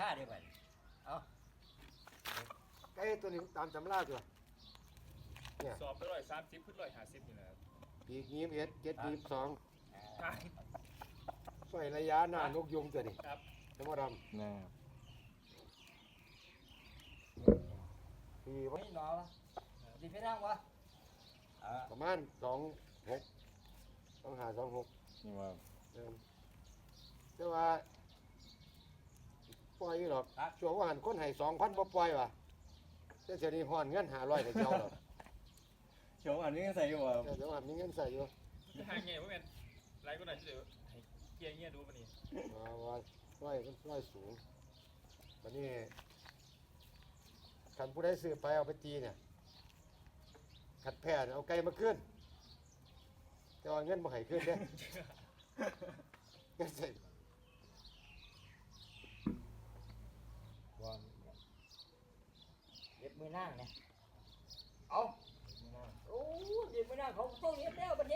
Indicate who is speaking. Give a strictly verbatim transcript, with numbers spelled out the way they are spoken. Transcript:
Speaker 1: เดี๋ยวไปเอา
Speaker 2: ไก่ตัวนี้ตามตำราตัวเนี่ย
Speaker 3: สอบไปร้อยสามสิบขึ้นร้อยห้าสิบนี่นะครับ
Speaker 2: ปีกยี่สิบเอ็ดเจ็ดยี่สิบสอง
Speaker 3: อ่า
Speaker 2: ใส่ระยะหน้านกยุงตัวนี้
Speaker 3: ครับ
Speaker 2: จะมาด
Speaker 4: นะครับ
Speaker 2: ำปีว่า
Speaker 1: ไม่หนอดีพี่นั่งวะอ่า
Speaker 2: ประมาณสองหกต้องหาสองหก
Speaker 4: นี่ว่า
Speaker 2: เดิมแต่ว่าปล่อยอยู่หรอกช่วงว่าหันคนให้สองพันบ่ปล่อยว่ะแต่เสียนี้ห่อนเงินหาร้อยแต่เจ้าหรอก
Speaker 4: โฉมอันนี้ใส่อยู่ว่า
Speaker 2: แต่เดี๋ยวหันมีเงินใส่อยู่
Speaker 3: หาเงี้ยว่าแม่นไรก็ได้ที่เดี๋ยวให้เกียร์เงี้ยดูมันนี่
Speaker 2: ว่าว่าร้อยมันร้อยสูงวันนี้คันผู้ใดซื้อไปเอาไปตีเนี่ยขัดแพ้เนี่ยเอาไก่มาขึ้นแต่ว่าเงินมาให้ขึ้นเด้ เงินใส่วัน
Speaker 1: เด็บมือนั่งเนี่ยเอาโอ้เด็บมือนั่งเขาต้องเย็บแล้วบัด